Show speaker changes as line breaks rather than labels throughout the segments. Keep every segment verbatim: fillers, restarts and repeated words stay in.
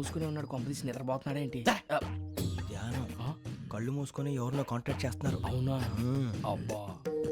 మూసుకుని ఉన్నాడు, కొంపదీసి నిద్రపోతున్నాడు ఏంటి?
ధ్యానం కళ్ళు మూసుకొని ఎవరినో కాంటాక్ట్ చేస్తున్నారు.
అవునా? అబ్బా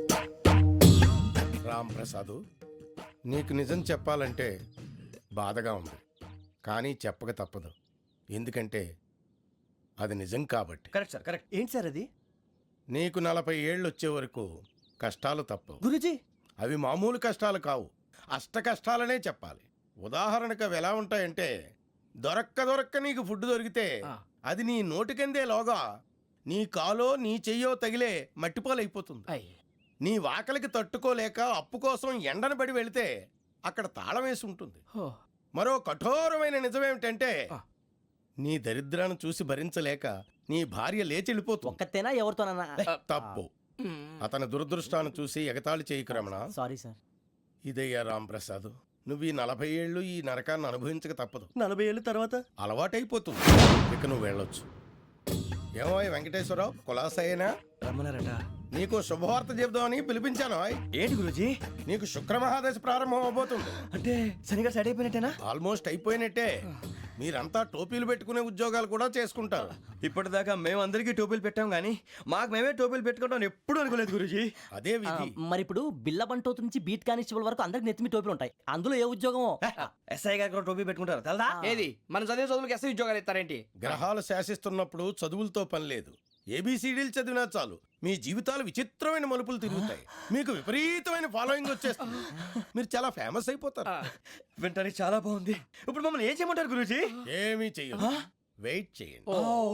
రామ్ ప్రసాద్, నీకు నిజం చెప్పాలంటే బాధగా ఉంది, కానీ చెప్పక తప్పదు. ఎందుకంటే అది నిజం కాబట్టి.
Correct sir, correct. ఏంటి సార్ అది?
నీకు నలభై ఏళ్ళు వచ్చే వరకు కష్టాలు తప్పవు.
గురుజీ,
అవి మామూలు కష్టాలు కావు, అష్ట కష్టాలనే చెప్పాలి. ఉదాహరణకు అవి ఎలా ఉంటాయంటే, దొరక్క దొరక్క నీకు ఫుడ్ దొరికితే అది నీ నోటికందే లోగా నీ కాలో నీ చెయ్యో తగిలే మట్టిపాలైపోతుంది. నీ వాకలికి తట్టుకోలేక అప్పు కోసం ఎండను పడి వెళితే అక్కడ తాళం వేసి ఉంటుంది. మరో కఠోరమైన నిజమేమిటంటే, నీ దరిద్రాన్ని చూసి భరించలేక నీ భార్య లేచి వెళ్ళిపోతుంది.
ఒక్కతేనా ఎవరితోనన్నా?
తప్పు. అతని దురదృష్టాన్ని చూసి ఎగతాళి చేయకు రమణ.
Sorry sir.
ఇదయ్యా రాంప్రసాద్, నువ్వు ఈ నలభై ఏళ్ళు ఈ నరకాన్ని అనుభవించక తప్పదు.
నలభై ఏళ్ళ తర్వాత
అలవాటైపోతుంది, ఇక నువ్వు వెళ్ళొచ్చు. ఏమో వెంకటేశ్వరరావు, కులాసైనా
రమ్మన్నారట.
నీకు శుభవార్త చెబుదామని పిలిపించాను.
ఏంటి గురుజీ?
నీకు శుక్రమహాదశ ప్రారంభం అవబోతుంది.
అంటే శనిగా సెట్ అయిపోయినట్టేనా?
ఆల్మోస్ట్ అయిపోయినట్టే. మీరంతా టోపీలు పెట్టుకునే ఉద్యోగాలు కూడా చేసుకుంటారు.
ఇప్పటిదాకా మేము అందరికీ టోపీలు పెట్టాం గానీ మాకు మేమే టోపీలు పెట్టుకుంటాం ఎప్పుడు అనుకోలేదు గురుజీ.
అదే విధి.
మరి ఇప్పుడు బిల్ల బంటోతు నుంచి బీట్ కానిస్టేబుల్ వరకు అందరికి నెత్తిమి టోపీలు ఉంటాయి. అందులో ఏ ఉద్యోగం?
ఎస్ఐ గారు కూడా టోపీ పెట్టుకుంటారు తెలదా?
ఏది మన చదివే చదువులకు ఎస్ఐ ఉద్యోగాలు ఇస్తారేంటి?
గ్రహాలు శాసిస్తున్నప్పుడు చదువులతో పని లేదు. ఏబిసిడీలు చదివినా చాలు మీ జీవితాలు విచిత్రమైన మలుపులు తిరుగుతాయి. మీకు విపరీతమైన ఫాలోయింగ్ వచ్చేస్తుంది. మీరు చాలా ఫేమస్ అయిపోతారు.
వింటానికి చాలా బాగుంది. ఇప్పుడు మమ్మల్ని ఏం చేయమంటారు గురూజీ?
ఏమీ చెయ్యదు, వెయిట్ చేయండి.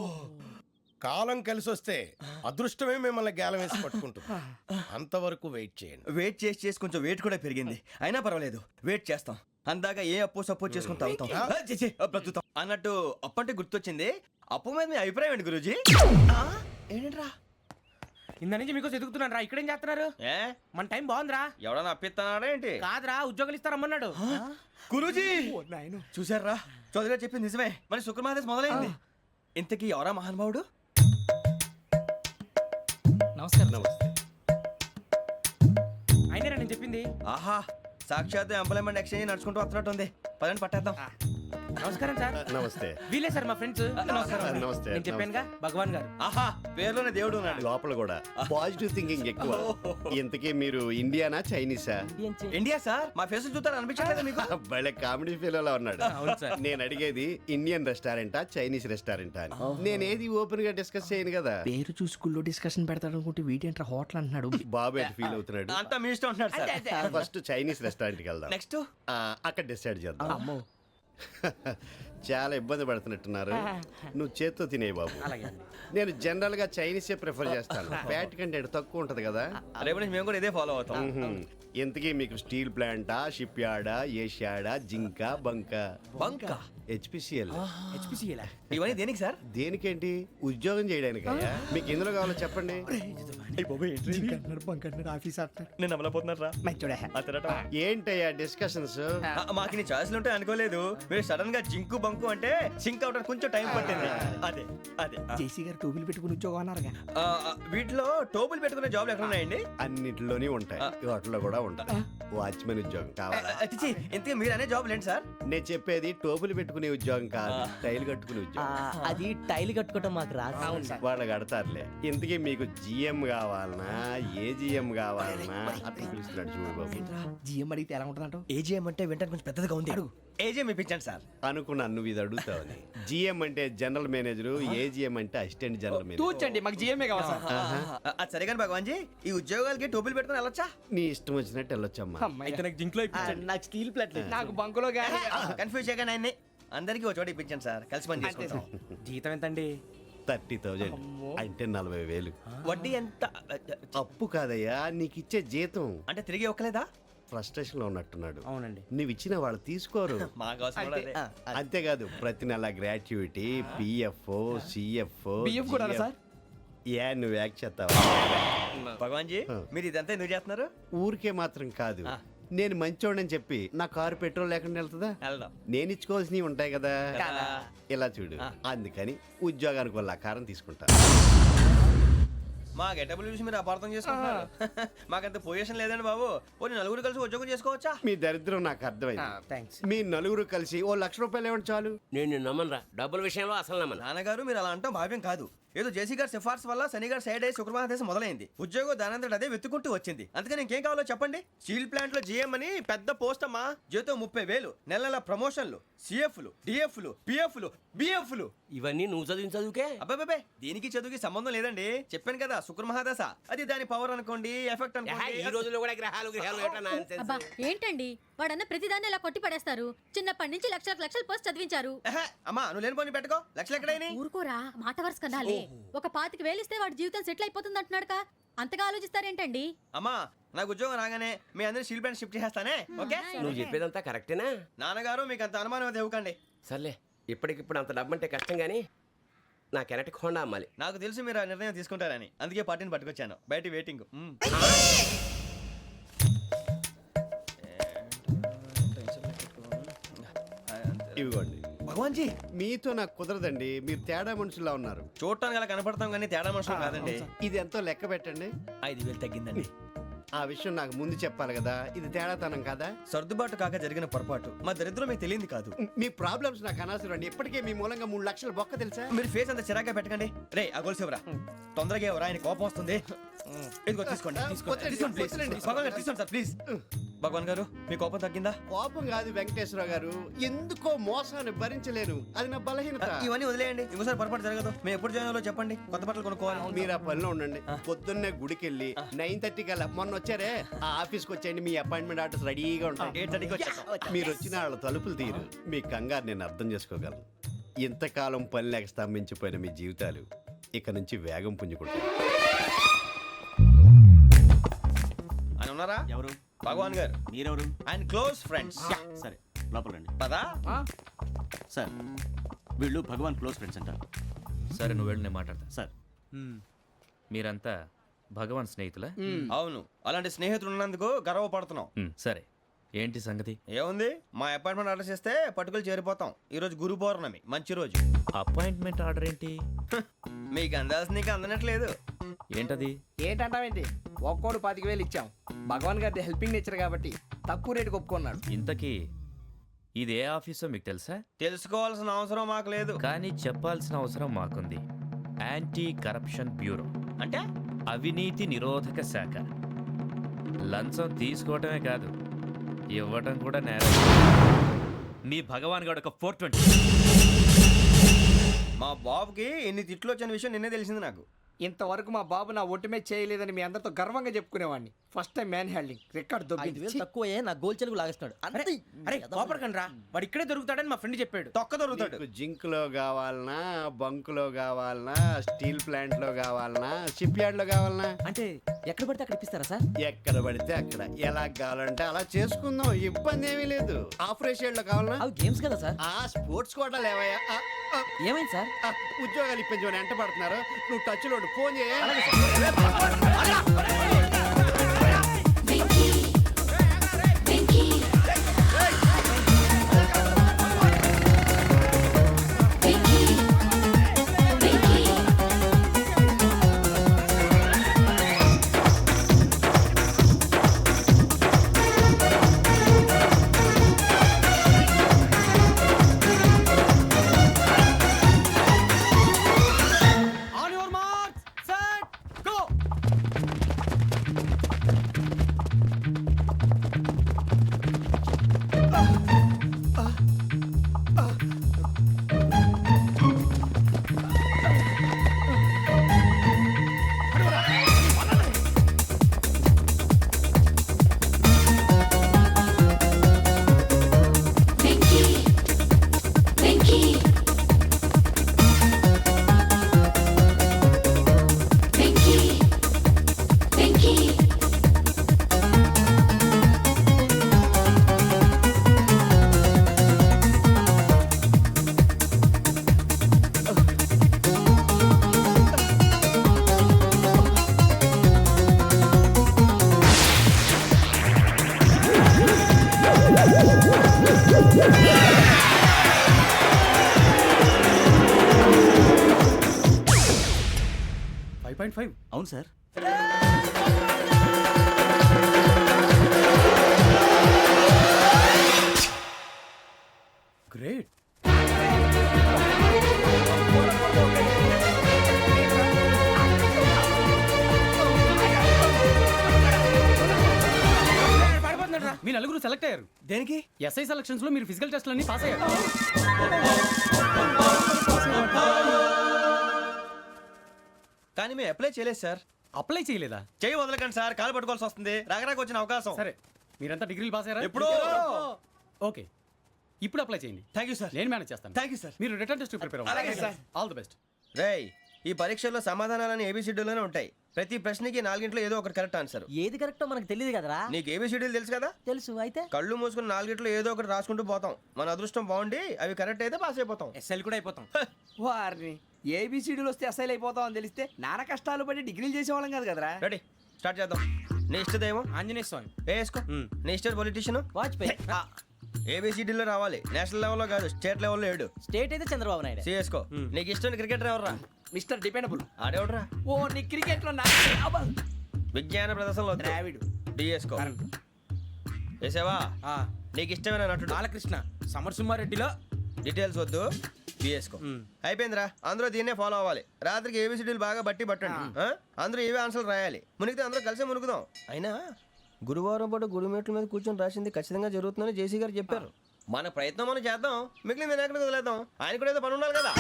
కాలం కలిసి వస్తే అదృష్టమే మిమ్మల్ని గేలం వేసి పట్టుకుంటుంది. అంతవరకు వెయిట్ చేయండి.
వెయిట్ చేసి చేసి కొంచెం వెయిట్ కూడా పెరిగింది. అయినా పర్వాలేదు, వెయిట్ చేస్తాం. అందాక ఏ అప్పు సపోర్ట్ చేసుకుని తాగుతాం, బ్రతుకుతాం అన్నట్టు. అప్పు అంటే గుర్తొచ్చింది, అప్పు మీద మీ అభిప్రాయం ఏంటి గురూజీ? ఏంటరా
ఇంత నుంచి మీకు ఎదుగుతున్నాను రా. ఇక్కడేం చేస్తున్నారు?
ఏ
మన టైం బాగుందిరా.
ఎవడన్నా అప్పిస్తున్నాడా ఏంటి?
కాదురా, ఉద్యోగాలు ఇస్తారమ్మన్నాడు.
గురూజీ చూసారా, చౌదరిగా చెప్పింది నిజమే. మరి శుక్రమహాదేశ్ మొదలైంది. ఇంతకీ ఎవరా మహానుభావుడు?
నమస్కారం. నమస్తే. అయినా నేను చెప్పింది.
ఆహా, సాక్షాత్ ఎంప్లాయ్మెంట్ ఎక్స్చేంజ్ నడుచుకుంటూ వస్తున్నట్టు ఉంది. పదండి పట్టేద్దాం.
నమస్కారం సార్.
నమస్తే.
వీలే సార్ మా ఫ్రెండ్స్.
నమస్తే.
నేను చెప్పానుగా, భగవాన్ గారు.
ఆహా, పేర్లోనే దేవుడు ఉన్నాడు.
లోపల కూడా పాజిటివ్ థింకింగ్ ఎక్కువ. ఇంతకీ మీరు ఇండియానా చైనీసా?
India sir. మా ఫేస్ చూస్తారు అనిపించలేదు మీకు?
భలే కామెడీ ఫీల్ అలా ఉన్నాడు.
అవును సార్.
నేను అడిగేది ఇండియన్ రెస్టారెంటా చైనీస్ రెస్టారెంటా అని. నేనేది ఓపెన్ గా డిస్కస్ చేయను కదా.
పేరు చూసి స్కూల్లో డిస్కషన్ పెడతాడు అనుకుంటే వీటేంట్రా హోటల్ అంటున్నాడు.
బాబు ఎట్ ఫీల్ అవుతున్నాడు.
అంతా మీ ఇష్టం ఉంటున్నాడు సార్.
ఫస్ట్ చైనీస్ రెస్టారెంట్ కి వెళ్దాం.
నెక్స్ట్
అక్కడ డిసైడ్ చేద్దాం. చాలా ఇబ్బంది పడుతున్నట్టున్నారు. నువ్వు చేత్తో తినే బాబు. నేను జనరల్ గా చైనీసే ప్రిఫర్ చేస్తాను. ఫ్యాట్ కంటెంట్ తక్కువ ఉంటది కదా.
రేపు నుంచి మేము కూడా ఇదే ఫాలో అవుతాం.
ఇంతకీ మీకు స్టీల్ ప్లాంటా, షిప్ యార్డా, ఏషియాడా, జింక, బంక?
బంక,
హెచ్పిసిఎల్.
ఇవన్నీ దేనికి సార్?
దేనికేంటి? ఉద్యోగం చేయడానికి. మీకు ఎందులో కావాలో చెప్పండి.
నేను అమలపోతున్నారా?
ఏంటయ్యా డిస్కషన్స్?
మాకు నీ ఛాయిస్లు ఉంటాయి అనుకోలేదు. మీరు సడన్ గా జింకు బంకు అంటే సింక్ అవడానికి కొంచెం టైం పట్టింది. అదే అదే
జేసీ గారు టోపీలు పెట్టుకుని ఉద్యోగం అన్నారుగా.
ఆ, వీటిలో టోపులు పెట్టుకునే జాబ్లు ఎక్కడ ఉన్నాయండి?
అన్నిటిలోనే ఉంటాయి, వాటిలో కూడా ఉంటాయి. వాచ్మెన్ ఉద్యోగం కావాలా?
అతిచి ఇంతకీ మీరు అనే జాబ్ ఏంటి సార్?
నేను చెప్పేది టోపులు పెట్టుకునే ఉద్యోగం కాదు, టైల్ కట్టుకునే ఉద్యోగం.
అది టైల్ కట్టుకోవటం మాకు రాదు.
వాళ్ళు కడతారులే. ఇంతకీ మీకు జిఎం కావాలనా, ఏ జిఎం కావాలనా? అట్లా పిలుస్తున్నాడు చూడు బాబు.
జిఎం అడిగితే ఎలా ఉంటుందంట?
ఏజీఎం అంటే వెంటనే కొంచెం పెద్దదిగా ఉంది. ఏజీఎం ఇప్పించండి సార్.
అనుకున్నాను నువ్వు ఇది అడుగుతావని. జిఎం అంటే జనరల్ మేనేజర్, ఏజిఎం అంటే అసిస్టెంట్ జనరల్ మేనేజర్.
తూచండి, మాకు జిఎంఏ కావాలి సార్.
అది సరే కానీ భగవాన్ జీ, ఈ ఉద్యోగాలకి టోపులు పెట్టుకుని వెళ్ళొచ్చా?
నీ ఇష్టం వచ్చినట్టు వెళ్ళొచ్చమ్మా.
నాకు స్టీల్ ప్లేట్,
నాకు బంకులో గానీ
కన్ఫ్యూజ్ చేయగానే ఆయన్ని అందరికీ ఒక చోట ఇప్పించండి సార్, కలిసి పని చేసుకుంటాం.
జీతం ఎంతండి?
థర్టీ థౌజండ్ అంటే నలభై వేలు.
వడ్డీ ఎంత?
అప్పు కాదయ్యా, నీకు ఇచ్చే జీతం.
అంటే తిరిగి ఒక్కలేదా?
ఫ్రస్ట్రేషన్ లో ఉన్నట్టున్నాడు.
అవునండి.
నువ్వు ఇచ్చిన వాళ్ళు తీసుకోరు.
మాకు అవసరం కూడా అదే.
అంతేకాదు ప్రతి నెల గ్రాట్యుటీ, పిఎఫ్, సిఎఫ్.
బియ్యం కూడా సార్?
ఏ నువ్వు యాక్ట్ చేస్తావా?
భగవాన్ జీ, మీరు ఇదంతా ఎందుకు చేస్తున్నారు?
ఊరికే మాత్రం కాదు, నేను మంచోడని చెప్పి నా కారు పెట్రోల్ లేకుండా వెళ్తుందా?
వెళ్దాం.
నేను ఇచ్చుకోవాల్సినవి ఉంటాయి కదా. ఇలా చూడు, అందుకని ఉద్యోగానికి వాళ్ళ ఆకారం తీసుకుంటా.
మా గెటబుల్ చూసి మీరు అపార్థం చేసుకుంటున్నారు. మాకంత పొజిషన్ లేదండి బాబు. పోనీ నలుగురు కలిసి ఉద్యోగం చేసుకోవచ్చా?
మీ దరిద్రం నాకు అర్థమైంది.
థ్యాంక్స్.
మీ నలుగురు కలిసి ఓ లక్ష రూపాయలు ఇవ్వండి చాలు.
నేను నమ్మనరా డబ్బుల విషయంలో అసలు నమ్మను.
నాన్నగారు మీరు అలా అంటాం భావ్యం కాదు. ఏదో జేసీ గారి సిఫార్సు వల్ల శని గారు సైడ్ అయ్యి శుక్రవారం దేశం మొదలైంది. ఉద్యోగం దానంతటి అదే వెతుకుంటూ వచ్చింది. అందుకని ఇంకేం కావాలో చెప్పండి. స్టీల్ ప్లాంట్ లో జీఎం అని పెద్ద పోస్ట్ అమ్మా. జీతం ముప్పై వేలు, నెల నెల ప్రమోషన్లు, సిఎఫ్లు, డిఎఫ్లు, పిఎఫ్లు, బిఎఫ్లు.
ఇవన్నీ నువ్వు చదివిన చదువుకే.
అబ్బాబే దీనికి చదువుకి సంబంధం లేదండి. చెప్పాను కదా శుక్ర మహాదశ. అది దాని పవర్ అనుకోండి, ఎఫెక్ట్
ఏహే, ఈ
అనుకోండి.
రోజుల్లో కూడా గ్రహాలు గ్రహాలు ఏటా nonsense?
అబ్బా ఏంటండి వాడన్న ప్రతిదాన్ని ఇలా కొట్టి పడేస్తారు. చిన్నప్పటి నుంచి లక్షలకు లక్షలు పోస్ట్ చదివించారు.
ఎహె, అమ్మా నువ్వు లేని పోనీ పెట్టుకో. లక్షలు ఎక్కడైనా
ఊరుకోరా మాట వరుస కదాలే. ఒక పాతికి వేలిస్తే వాడి జీవితం సెటిల్ అయిపోతుంది అంటున్నాడుగా. అంతగా ఆలోచిస్తారేంటండి?
అమ్మా నాకు ఉద్యోగం రాగానే మీ అందరి స్టీల్ ప్లాంట్ షిఫ్ట్ చేస్తానే. ఓకే
నువ్వు చెప్పేదంతా కరెక్టేనా?
నాన్నగారు మీకు అంత అనుమానం అయితే ఇవ్వకండి.
సర్లే, ఇప్పటికిప్పుడు అంత డబ్బు అంటే కష్టం కానీ నా కెనటిక్ హోండా అమ్మాలి.
నాకు తెలుసు మీరు ఆ నిర్ణయం తీసుకుంటారని, అందుకే పార్టీని పట్టుకొచ్చాను. బయట వెయిటింగ్. మ్మ్.
ఇవ్వండి.
భగవాన్ జీ
మీతో నాకు కుదరదండి. మీరు తేడా మనుషుల్లా ఉన్నారు.
చూడటానికి అలా కనపడతాం కానీ తేడా మనుషులు కాదండి.
ఇది ఎంతో లెక్క పెట్టండి.
ఐదు వేలు తగ్గిందండి.
ఆ విషయం నాకు ముందు చెప్పాలి కదా. ఇది తేడాతనం కదా.
సర్దుబాటు కాక జరిగిన పొరపాటు. మా దరిద్రం మీకు తెలియంది కాదు.
మీ ప్రాబ్లమ్స్ నాకు అనవసరం అండి. ఇప్పటికే మీ మూలంగా మూడు లక్షల బొక్క తెలుసా.
మీరు ఫేస్ అంత చిరాగ్గా పెట్టకండి. రే ఆ గొలుసు ఎవరా? తొందరగా ఎవరా? ఆయన కోపం వస్తుంది. ఇదిగో తీసుకోండి. తీసుకోండి.
వద్దండి,
తీసుకోండి, please.
వద్దండి.
భగవాన్ గారు తీసుకోండి సార్ ప్లీజ్. భగవాన్ గారు మీ కోపం తగ్గిందా?
కోపం కాదు వెంకటేశ్వర గారు, ఎందుకో మోసాన్ని భరించలేను. అది నా బలహీనత.
ఇవన్నీ వదిలేయండి. ఇంకోసారి పొరపాటు జరగదు. మేము ఎప్పుడు జాయిన్ అవ్వాలో చెప్పండి. కొత్త బట్టలు కొనుక్కోవాలి.
మీరు ఆ పనిలో ఉండండి. పొద్దున్నే గుడికి వెళ్ళి నైన్ థర్టీ కల్లా మొన్న వచ్చారే ఆ ఆఫీస్కి వచ్చేయండి. మీ అపాయింట్మెంట్ ఆర్డర్స్ రెడీగా ఉంటాయి.
ఎయిట్ థర్టీకి వచ్చేస్తాం.
మీరు వచ్చిన వాళ్ళ తలుపులు తీరు. మీ కంగారు నేను అర్థం చేసుకోగలను. ఇంతకాలం పని లేక స్తంభించిపోయిన మీ జీవితాలు ఇక నుంచి వేగం పుంజుకుంటాయి.
ఆయన ఉన్నారా?
ఎవరు?
భగవాన్ గారు.
మీరెవరు?
ఆయన క్లోజ్ ఫ్రెండ్స్.
సరే లోపల రండి.
పదా
సార్ వీళ్ళు భగవాన్ క్లోజ్ ఫ్రెండ్స్ అంటారు.
సరే నువ్వు వెళ్ళి నేను మాట్లాడతా.
సార్
మీరంతా భగవాన్ స్నేహితులా?
అవును. అలాంటి స్నేహితులు ఉన్నందుకు గర్వపడుతున్నాం.
మ్, సరే ఏంటి సంగతి?
ఏముంది, మా అపాయింట్మెంట్ ఆర్డర్ చేస్తే పట్టుకులు చేరిపోతాం. ఈ రోజు గురు పౌర్ణమి, మంచి రోజు.
అపాయింట్మెంట్ ఆర్డర్ ఏంటి?
మీకు అందాల్సిన నీకు అందనట్లేదు.
ఏంటది?
ఏంటంటావేంటి? ఒక్కోడు పాతిక వేలు ఇచ్చాం. భగవాన్ గారి హెల్పింగ్ నేచర్ కాబట్టి తక్కువ రేటుకి ఒప్పుకున్నాడు.
ఇంతకీ ఇది ఏ ఆఫీసో మీకు తెలుసా?
తెలుసుకోవాల్సిన అవసరం మాకు లేదు.
కానీ చెప్పాల్సిన అవసరం మాకుంది. యాంటీ కరప్షన్ బ్యూరో
అంటే
అవినీతి నిరోధక శాఖ. లంచం తీసుకోవటమే కాదు, ఇవ్వటం కూడా నేరం. మీ భగవాన్ గారు ఒక ఫోర్ ట్వంటీ.
మా బాబుకి ఎన్ని తిట్లు వచ్చిన విషయం నిన్నే తెలిసింది నాకు.
ఇంతవరకు మా బాబు నా ఒట్టుమే చేయలేదని మీ అందరితో గర్వంగా చెప్పుకునేవాడిని. First time man handing record
ఐదు
దొబ్బింది.
వేలు తక్కువ నా గోల్ చెలుగు లాగేస్తున్నాడు. అంతే.
అరే కోపడకండి రా, వాడు ఇక్కడే దొరుకుతాడని మా ఫ్రెండ్ చెప్పాడు.
తొక్క దొరుకుతాడు.
మీకు జింక్ లో కావాలనా, బంక్ లో కావాలనా, స్టీల్ ప్లాంట్ లో కావాలనా, షిప్ యార్డ్ లో కావాలనా?
అంటే ఎక్కడ పడితే అక్కడ ఇప్పిస్తారా సార్?
ఎక్కడ పడితే అక్కడ ఎలా కావాలంటే అలా చేసుకుందాం. ఇబ్బంది ఏమీ లేదు. ఆపరేషన్ లో కావాలనా?
అవి గేమ్స్ కదా సార్.
ఆ స్పోర్ట్స్ కోటా లేవయ్యా. ఆ, ఆ,
ఏమైంది సార్?
ఆ, ఉద్యోగాలు ఇప్పించమని ఎంట పడుతున్నారు. నువ్వు టచ్ లో ఉండు. ఫోన్ చేయ.
On your marks set go.
Point five
అవును సార్.
గ్రేట్. మీ నలుగురు సెలెక్ట్ అయ్యారు.
దేనికి?
ఎస్ఐ సెలక్షన్స్ లో మీరు ఫిజికల్ టెస్ట్ అన్ని పాస్ అయ్యారు.
కానీ మేము అప్లై చేయలేదు సార్.
అప్లై చేయలేదా?
చేయి వదలకండి సార్, కాలు పట్టుకోవాల్సి వస్తుంది. రాగరాకు వచ్చిన అవకాశం.
సరే, మీరంతా డిగ్రీలు పాస్ అయ్యారా?
ఎప్పుడో.
ఓకే, ఇప్పుడు అప్లై చేయండి.
Thank you sir.
నేను మేనేజ్ చేస్తాను.
Thank you sir.
మీరు రిటర్న్ టెస్ట్ ప్రిపేర్
అలాగే సార్.
All the best.
రేయ్, ఈ పరీక్షల్లో సమాధానాలని ఏబిసిడ్యూల్లోనే ఉంటాయి. ప్రతి ప్రశ్నకి నాలుగింట్లో ఏదో ఒకటి కరెక్ట్ ఆన్సర్.
ఏది కరెక్టో మనకు తెలియదు కదరా.
నీకు ఏబిసిడ్యూల్ తెలుసు కదా?
తెలుసు. అయితే
కళ్ళు మూసుకుని నాలుగింట్లో ఏదో ఒకటి రాసుకుంటూ పోతాం. మన అదృష్టం బాగుండి అవి కరెక్ట్ అయితే పాస్ అయిపోతాం.
ఎస్ఎల్ కూడా అయిపోతాం. వారిని ఏబిసిడీలు వస్తే ఎస్ఐలు అయిపోతాం అని తెలిస్తే నాన్న కష్టాలు పడి డిగ్రీలు చేసేవాళ్ళం కాదు కదరా.
రెడీ, స్టార్ట్ చేద్దాం. నీ ఇష్టదేమో
ఆంజనేయ స్వామి.
వేసుకో. నీ ఇష్ట పొలిటీషియన్
వాజ్పేయి.
ఏబిసిడీలో రావాలి, నేషనల్ లెవెల్లో కాదు, స్టేట్ లెవెల్లో ఏడు.
స్టేట్ అయితే చంద్రబాబు నాయుడు.
సిఎస్కో. నీకు ఇష్టం క్రికెటర్ ఎవర్రా?
Mister dependable.
ఆడేవడరా?
ఓ నీ క్రికెట్ లో నా
విజ్ఞాన ప్రదర్శనలో
ద్రావిడు.
డిఎస్కో. వేసావా? నీకు ఇష్టమైన నటుడు?
బాలకృష్ణ. సమర్ సుమారెడ్డిలో
డీటెయిల్స్ వద్దు, బిఎస్కో. అయిపోయిందిరా, అందరూ దీన్నే ఫాలో అవ్వాలి. రాత్రికి ఏబిసిడీలు బాగా బట్టి పట్టండి. ఆ? అందరూ ఏవే ఆన్సర్లు రాయాలి. మునిగితే అందరూ కలిసి మునుగుదాం. అయినా గురువారం పాటు గురుమేట్ల మీద కూర్చొని రాసింది ఖచ్చితంగా జరుగుతుందని జేసీ గారు చెప్పారు. మన ప్రయత్నం మనం చేద్దాం, మిగిలింది నేను ఎక్కడికి వదిలేద్దాం. ఆయన కూడా ఏదో పని ఉండాలి కదా.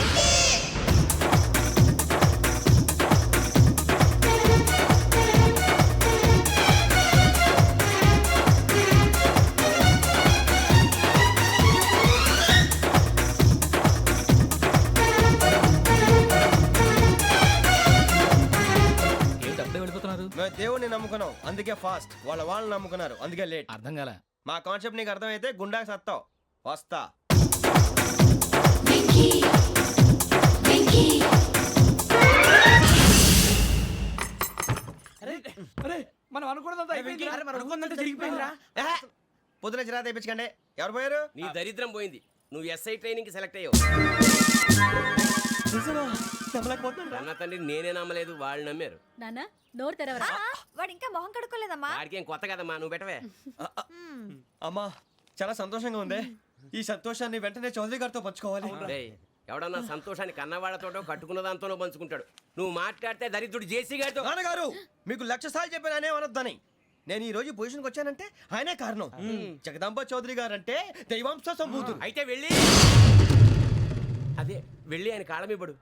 మేము దేవుడిని నమ్ముకున్నాం, అందుకే ఫాస్ట్. వాళ్ళ వాళ్ళని నమ్ముకున్నారు, అందుకే లేట్.
అర్థం కాలే.
మా కాన్సెప్ట్ నీకు అర్థమైతే గుండాకి సత్తావు. వస్తా.
మనం అనుకున్నదంతా అయిపోయింది. మనం అనుకున్నదంతా జరిగిపోయిందిరా.
ఏహే, పొద్దున చిరా తెప్పించకండి. ఎవరు పోయారు?
నీ దరిద్రం పోయింది. నువ్వు ఎస్ఐ ట్రైనింగ్ కి సెలెక్ట్ అయ్యావు. అన్న తండ్రి నేనే నమ్మలేదు, వాళ్ళు నమ్మారు.
నాన్న నోరు తెరవరా.
వాడు ఇంకా మొహం కడుక్కోలేదమ్మా.
వాడికి ఏం కొత్త కదమ్మా, నువ్వు పెట్టవే.
అమ్మా, చాలా సంతోషంగా ఉంది. ఈ సంతోషాన్ని వెంటనే చౌదరి గారితో పంచుకోవాలి.
డేయ్, ఎవడన్నా సంతోషాన్ని కన్నవాళ్లతోటో కట్టుకున్న దాంతోనో పంచుకుంటాడు. నువ్వు మాట్లాడితే దరిద్రుడు జేసీ గారితో.
నాన్నగారు, మీకు లక్ష సార్లు చెప్పాను అనే అనొద్దని. నేను ఈ రోజు పొజిషన్కి వచ్చానంటే ఆయనే కారణం. జగదాంబ చౌదరి గారు అంటే దైవాంశ సంభూతుడు.
అయితే వెళ్ళి అదే వెళ్ళి ఆయన కాళ్ళమివ్వడు.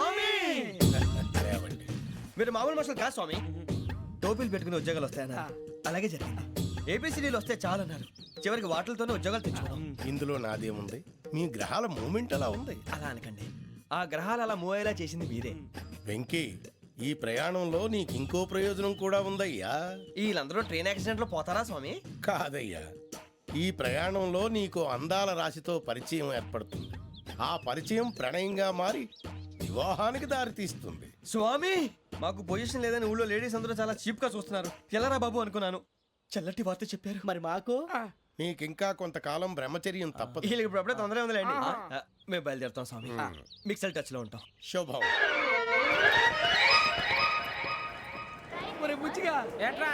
మీరు మామూలు మనుషులు కాదు స్వామి. టోపీలు పెట్టుకుని ఉద్యోగాలు వస్తాయన్నారు, అలాగే జరిగింది. ఏపీసీడీలు వస్తే చాలన్నారు, చివరికి వాటిలతోనే ఉద్యోగాలు తెచ్చుకున్నాం.
ఇందులో నాదేముంది? మీ గ్రహాల మూమెంట్ అలా ఉంది.
అలా అనకండి, ఆ గ్రహాలు అలా మూవ్ అయ్యేలా చేసింది మీరే.
వెంకీ, ఈ ప్రయాణంలో నీకు ఇంకో ప్రయోజనం కూడా ఉందయ్యా.
వీళ్ళందరూ ట్రైన్ యాక్సిడెంట్ లో పోతారా స్వామి?
కాదయ్యా, ఈ ప్రయాణంలో నీకు అందాల రాశితో పరిచయం ఏర్పడుతుంది. ఆ పరిచయం ప్రణయంగా మారి వివాహానికి దారితీస్తుంది.
స్వామి, మాకు పొజిషన్ లేదని ఊళ్ళో లేడీస్ అందరూ చాలా చీప్ గా చూస్తున్నారు. ఎలారా బాబు అనుకున్నాను. చల్లటి వార్త చెప్పారు.
మరి మాకు
నీకింకా కొంతకాలం బ్రహ్మచర్యం తప్పదు.
వీళ్ళకి ఇప్పుడు అప్పుడే తొందరగా ఉందిలేండి. ఆ, మేము బయలుదేరుతాం స్వామి. మిక్సెల్ టచ్ లో ఉంటాం.
శుభం.
బుచ్చిగా ఏట్రా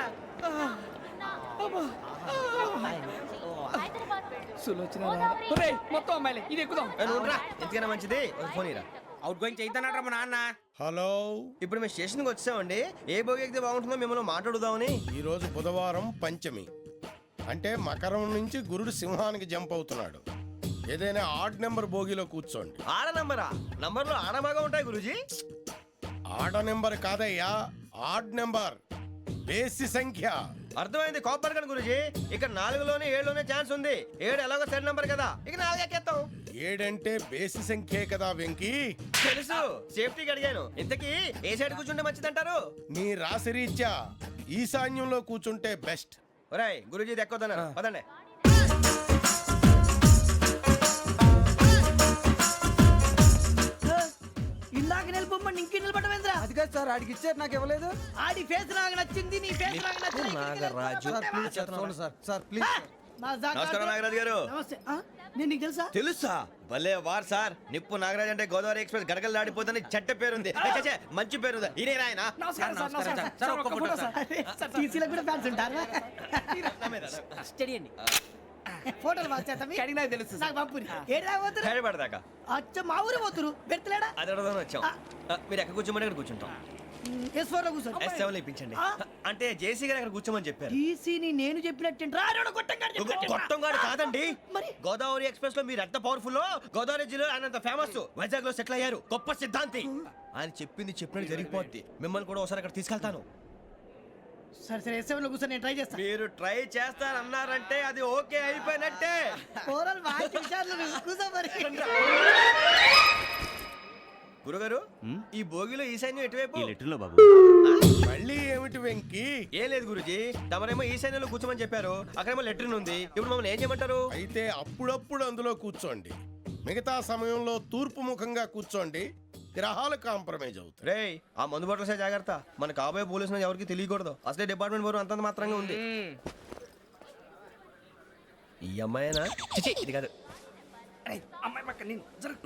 మొత్తం అమ్మాయిలే ఇది ఎక్కుదాం.
ఎందుకైనా మంచిది ఒక ఫోన్ ఇరా.
అవుట్ గోయింగ్ చేద్దానట్రా మా నాన్న.
హలో,
ఇప్పుడు మేము స్టేషన్కి వచ్చామండి. ఏ బోగి ఎక్కితే బాగుంటుందో మిమ్మల్ని మాట్లాడుదామని.
ఈరోజు బుధవారం పంచమి, అంటే మకరం నుంచి గురుడు సింహానికి జంప్ అవుతున్నాడు. ఏదైనా ఆడ్ నెంబర్ బోగిలో కూర్చోండి.
ఆడ నంబరా? నంబర్లో ఆడమాగా ఉంటాయి గురూజీ.
ఆడ నెంబర్ కాదయ్యా, ఆడ్ నెంబర్, బేసి సంఖ్య.
అర్థమైంది, కాపర్ కన్ గురూజీ. ఇక్కడ నాలుగులోనే ఏడులోనే ఛాన్స్ ఉంది. ఏడు ఎలాగో సెడ్ నంబర్ కదా, ఇక నాలుగు ఎక్కేస్తాం.
ఏడంటే బేసి సంఖ్యే కదా వెంకీ.
తెలుసు, సేఫ్టీకి అడిగాను. ఇంతకీ ఏ సైడ్ కూర్చుంటే మంచిదంటారు?
నీ రాశి రీత్యా ఈశాన్యంలో కూర్చుంటే బెస్ట్.
ఒరాయ్, గురూజీ దెక్కొద్దన్నారు, పదండి.
ఇందాక నిలబొమ్మని ఇంకే నిలబడమేంద్రా?
అది కాదు సార్, ఆడికి ఇచ్చారు నాకు ఇవ్వలేదు.
ఆడి ఫేస్ నాకు నచ్చింది, నీ ఫేస్ నాకు నచ్చింది.
Nagaraju
sir please sir, sir please.
నమస్కారం నాగరాజు గారు.
నమస్తే నేను నీకు తెలుసా
తెలుసా? భలే వార్ సార్. నిప్పు నాగరాజ్ అంటే గోదావరి ఎక్స్ప్రెస్ గడగలు దాడిపోతుంది చెట్ట పేరుంది. ఏ, ఛే, ఛే, మంచి పేరు. ఈయన ఆయన
నమస్కారం సార్ నమస్కారం సార్ ఒక్క ఫోటో సార్ సార్ టీసీలో కూడా ఫ్యాన్స్ ఉంటారా
స్టడీ అండి.
ఫోటోలు మార్చేస్తాం కడిగి నాకు తెలుసు నాకు పంపుని ఏడు రాబోతురు
హైదరాబాద్
అచ్చ మా ఊరు పోతురు పెడతలేడా
అది అడగదామని వచ్చాం. ఆ, మీరు ఎక్కడ కూర్చోమని అక్కడ కూర్చుంటాం.
ఎస్ ఫోర్ లో కూర్చో
ఎస్ సెవెన్ ఇప్పించండి. అంటే జేసీ గారు అక్కడ కూర్చోమని చెప్పారు.
టీసీని నేను చెప్పినట్టు రాడు
గొట్టం గారు కాదండి.
మరి?
గోదావరి ఎక్స్ప్రెస్ లో మీరు ఎంత పవర్ఫుల్. గోదావరి జిల్లా ఆయన అంత ఫేమస్. వైజాగ్ లో సెటిల్ అయ్యారు. గొప్ప సిద్ధాంతి. ఆయన చెప్పింది చెప్పినట్టు జరిగిపోద్ది. మిమ్మల్ని కూడా ఒకసారి అక్కడ తీసుకెళ్తాను.
సరే సరే ఎస్ సెవెన్ లో కూర్చో నేను ట్రై చేస్తాను
మీరు ట్రై చేస్తారన్నారంటే అది ఓకే అయిపోయినట్టే.
ఓవరాల్ బాగా చూశారు కూర్చో మరి
గురుగారు ఈ భోగిలో ఈశాన్యం ఎటువైపు?
ఈ లెటర్లో బాబు.
మళ్ళీ ఏమిటి వెంకీ?
ఏం లేదు గురుజీ. తమరేమో ఈశాన్యంలో కూర్చోమని చెప్పారు. అక్కడేమో లెటర్ ఉంది. ఇప్పుడు మమ్మల్ని ఏం చేయమంటారు?
అయితే అప్పుడప్పుడు అందులో కూర్చోండి, మిగతా సమయంలో తూర్పు ముఖంగా కూర్చోండి. గ్రహాలు కాంప్రమైజ్ అవుతాయి.
రే ఆ మందు బట్టలసే జాగ్రత్త. మన కాబోయే పోలీసులు ఎవరికి తెలియకూడదు. అసలే డిపార్ట్మెంట్ బోరు అంతంత మాత్రంగా ఉంది. ఈ అమ్మాయినా? చిచి, ఇది కాదు.
అమ్మాయి పక్క నేను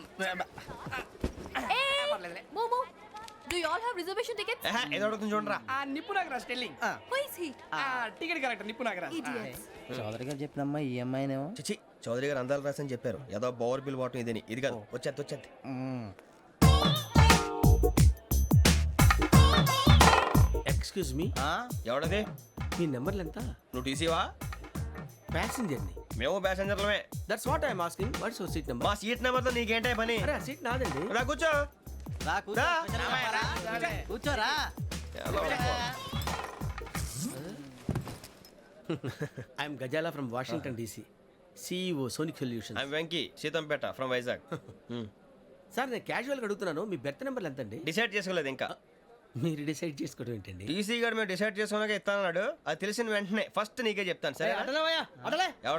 మోమో do you all have reservation tickets?
ఏహే, ఏదో అడుగుతుంది చూడరా.
ఆ నిప్పు Nagaraj telling
who is he?
Ticket correct నిప్పు నాగరాజ్
ఇడియట్స్.
చౌదరి గారు చెప్పినమ్మా ఈ అమ్మాయినేమో.
చిచి, చౌదరి గారు అందాలు రాసని చెప్పారు. ఏదో బోర్ బిల్ వాటం ఇదని. ఇది కాదు. వచ్చేది వచ్చేది.
Excuse me,
ఎవడది?
మీ నెంబర్లు ఎంత?
నువ్వు టీసీవా?
ప్యాసింజర్ ని.
మేము ప్యాసెంజర్లమే.
That's what I'm asking. What's your seat number?
మా సీట్ నెంబర్తో నీకేంటే పని?
అరే ఆ సీట్ నాదండి.
రా కూర్చో.
రా కూర్చో.
రా.
కూర్చోరా.
I'm Gazala from Washington DC, CEO Sonic solution.
I'm Venky, Seethampeta from Vizag.
Sir నేను క్యాజువల్గా అడుగుతున్నాను, మీ బెర్త్ నెంబర్ ఎంత అండి?
డిసైడ్ చేసుకోలేదు ఇంకా.
మీరు డిసైడ్ చేసుకోవడం ఏంటండి?
టీసీ గారు మేము డిసైడ్ చేసుకున్నాక ఇస్తానన్నాడు. అది తెలిసిన వెంటనే ఫస్ట్ నీకే చెప్తాను. సరే
అడలవయ్యా అడలే